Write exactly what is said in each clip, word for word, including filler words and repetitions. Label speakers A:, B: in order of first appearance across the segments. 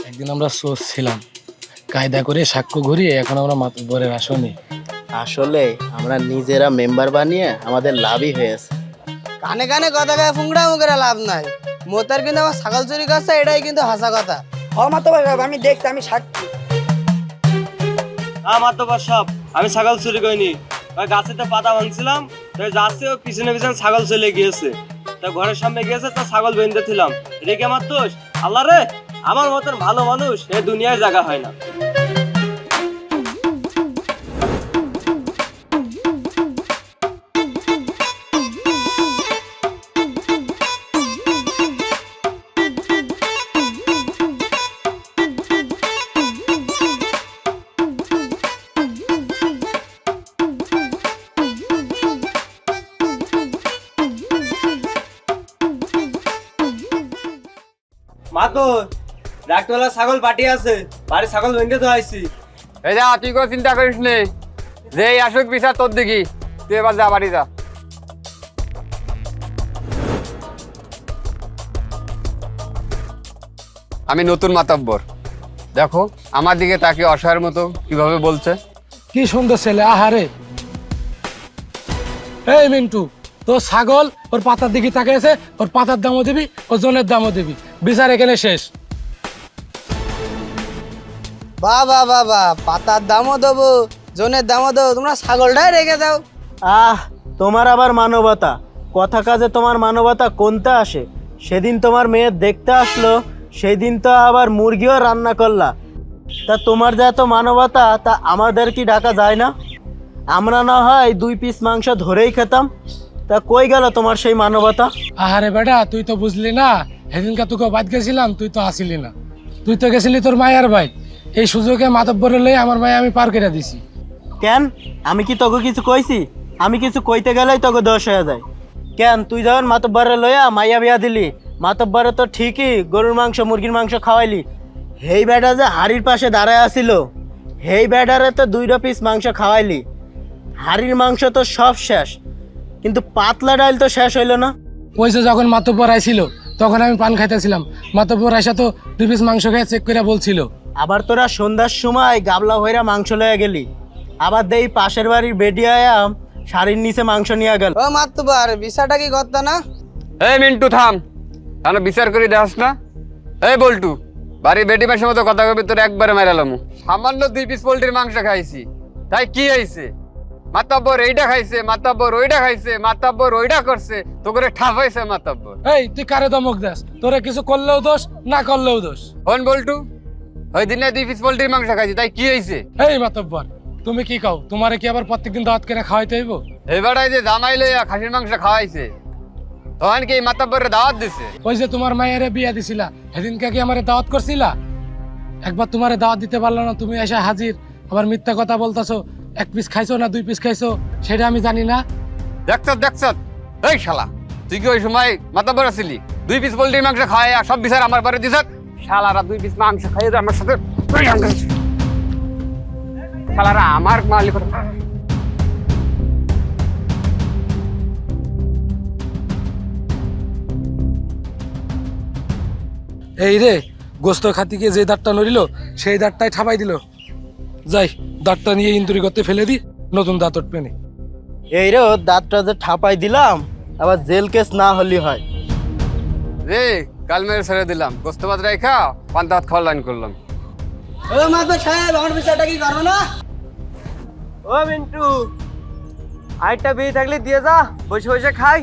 A: একদিন আমরা সোচ ছিলাম, কায়দা করে সাক্ষ্য ঘুরিয়ে এখন আমরা মাতব্বরের আসনে।
B: আসলে আমরা নিজেরা মেম্বার বানিয়ে আমাদের লাভই হয়েছে।
C: কানে কানে কথা গায়ে ফুংড়া মুখের লাভ নাই। মোতার কিন্তু আমার ছাগল চুরি করছে, এটাই কিন্তু হাসা কথা।
D: হ মাতব্বর সাহেব, আমি দেখছি, আমি সাক্ষী।
E: হ্যাঁ মাতব্বর সাহেব, আমি ছাগল চুরি করিনি। ওই গাছেতে পাতা ভাঙছিলাম, তাই যাচ্ছে ও পিছনে পিছনে ছাগল চলে গিয়েছে। তা ঘরের সামনে গিয়েছে, তা ছাগল বেঁধে ছিলাম। রেখে আমার দোষ? আল্লাহ রে, আমার মতন ভালো মানুষ এই দুনিয়ায় জায়গা হয় না। মাতো ডাক্তারওয়ালা ছাগল পাটি আছে, বাড়ি ছাগল বেঁধে তো আইছি।
F: এই যা, তুই কোনো চিন্তা করিস নে, যে আসুক বিচার তোর দিকে, তুই এবার যা বাড়ি যা। আমি নতুন মাতব্বর, দেখো আমার দিকে তাকে অসহায়ের মতো কিভাবে বলছে।
A: কি সুন্দর ছেলে, আহারে। এই মিন্টু, তোর ছাগল ওর পাতার দিকে তাকিয়েছে, ওর পাতার দামও দিবি, ওর জনের দামও দিবি, বিচার এখানে শেষ।
C: বা বা বা বা, পাতার দামও দেবো, জনের দামও দেবো, তোমরা ছাগলটাই রেখে দাও।
B: আহ, তোমার আবার মানবতা, কথা কাজে তোমার মানবতা কোনটা আসে? সেদিন তোমার মেয়ে দেখতে আসলো, সেই দিন তো আবার মুরগিও রান্না করলা। তা তোমার যা এত মানবতা, তা আমাদের কি ডাকা যায় না? আমরা না হয় দুই পিস মাংস ধরেই খেতাম, তা কই গেল তোমার সেই মানবতা?
A: আহারে বেটা, তুই তো বুঝলি না, সেদিনকে তোকে বাদ গেছিলাম, তুই তো আসিলি না। তুই তো গেছিলি তোর মায়ের ভাই, এই সুযোগে মাতব্বরে লই আমার মায়ে আমি পার করে দিছি।
B: কেন, আমি কি তোকে কিছু কইছি? আমি কিছু কইতে গেলেই তোকে দোষ হয়ে যায়। কেন, তুই যখন মাতব্বরে লইয়া মাইয়া বিয়া দিলি, মাতব্বরে তো ঠিকই গরুর মাংস মুরগির মাংস খাওয়াইলি। হেই বেটা যে হাড়ির পাশে দাঁড়ায় আসিল, হেই বেটারে তো দুইটা পিস মাংস খাওয়াইলি। হাড়ির মাংস তো সব শেষ, কিন্তু পাতলা ডাল তো শেষ হইল না।
A: ওই যে যখন মাতব্বর আইছিল, তখন আমি পান খাইতেছিলাম, মাতব্বর আইসা তো দুই পিস মাংস খেয়ে চেক করে বলছিল।
B: আবার তোরা সন্ধ্যার সময় গাবলা হইরা মাংস লইয়া গেলি, আবার দেই পাশের বাড়ির বেডিয়ায়া শাড়ির নিচে মাংস নিয়ে গেল।
C: ও মাতবার, বিষয়টা কি করতো না?
F: এই মিন্টু থাম, তাহলে বিচার করে দেখাস না। এই বল্টু, বাড়ির বেটি মাসের মতো কথা কবি তোর একবারে মেরালাম। সামান্য দুই পিস পোল্ট্রির মাংস খাইছি, তাই কি হয়েছে? মাতাব্বর এইটা খাইছে, মাতাব্বর ওইটা খাইছে, মাতাব্বর ওইটা করছে, তো করে ঠাপ হয়েছে মাতাব্বর।
A: এই তুই কারে দমক দাস? তোরা কিছু করলেও দোষ, না করলেও দোষ।
F: হন বল্টু, ওই দিনে দুই পিস পোল্ট্রির মাংস খাইছি, তাই কি হয়েছে?
A: এই মাতব্বর, তুমি কি কও? তোমারে কি আবার প্রত্যেকদিন দাওয়াত করে খাওয়াইতে হইব?
F: এবারে যে জামাই লইয়া খাসির মাংস খাওয়াইছে, তখন কি মাতাব্বরের দাওয়াত দিছে?
A: ওই যে তোমার মায়ের বিয়া দিছিলা, সেদিনকে কি আমারে দাওয়াত করছিলা? একবার তোমারে দাওয়াত দিতে পারলো না, তুমি এসে হাজির, আবার মিথ্যা কথা বলতাছো। এক পিস খাইছো না দুই পিস খাইছো সেটা আমি জানি না।
F: দেখছ দেখছ, এই শালা, তুই কি ওই সময় মাতাব্বর আছিলি? দুই পিস পোল্ট্রির মাংস খাওয়াই সব বিচার আমার বাড়ি দিছ। শালারা দুই পিস মাংস খাইয়ে আমার সাথে শালারা আমার মালিক।
A: এই রে, গোস্ত খাতি গিয়ে যে দাঁতটা নড়িল, সেই দাঁতটাই ঠাপাই দিল। যাই, দাঁতটা নিয়ে ইন্দুরি করতে ফেলে দি, নতুন দাঁত উঠবে না।
B: এই রে, ওর দাঁতটা যে ঠাপাই দিলাম, আবার জেল কেস না হলি হয়।
F: রে কাল মেরে ছেড়ে দিলাম, গোস্ত ভাত রেখা পান্তা ভাত খাওয়ার লাইন করলাম।
C: ও মাতবার সাহেব, আমার বিষয়টা কি করবো না?
E: ও মিন্টু, আরেকটা বিয়ে থাকলে দিয়ে যা, বসে বসে খাই।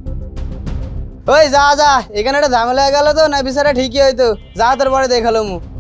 C: ওই যা যা, এখানে একটা ঝামেলা হয়ে গেল তো, না বিষয়টা ঠিকই হয়তো, যা তোর পরে দেখালো মু।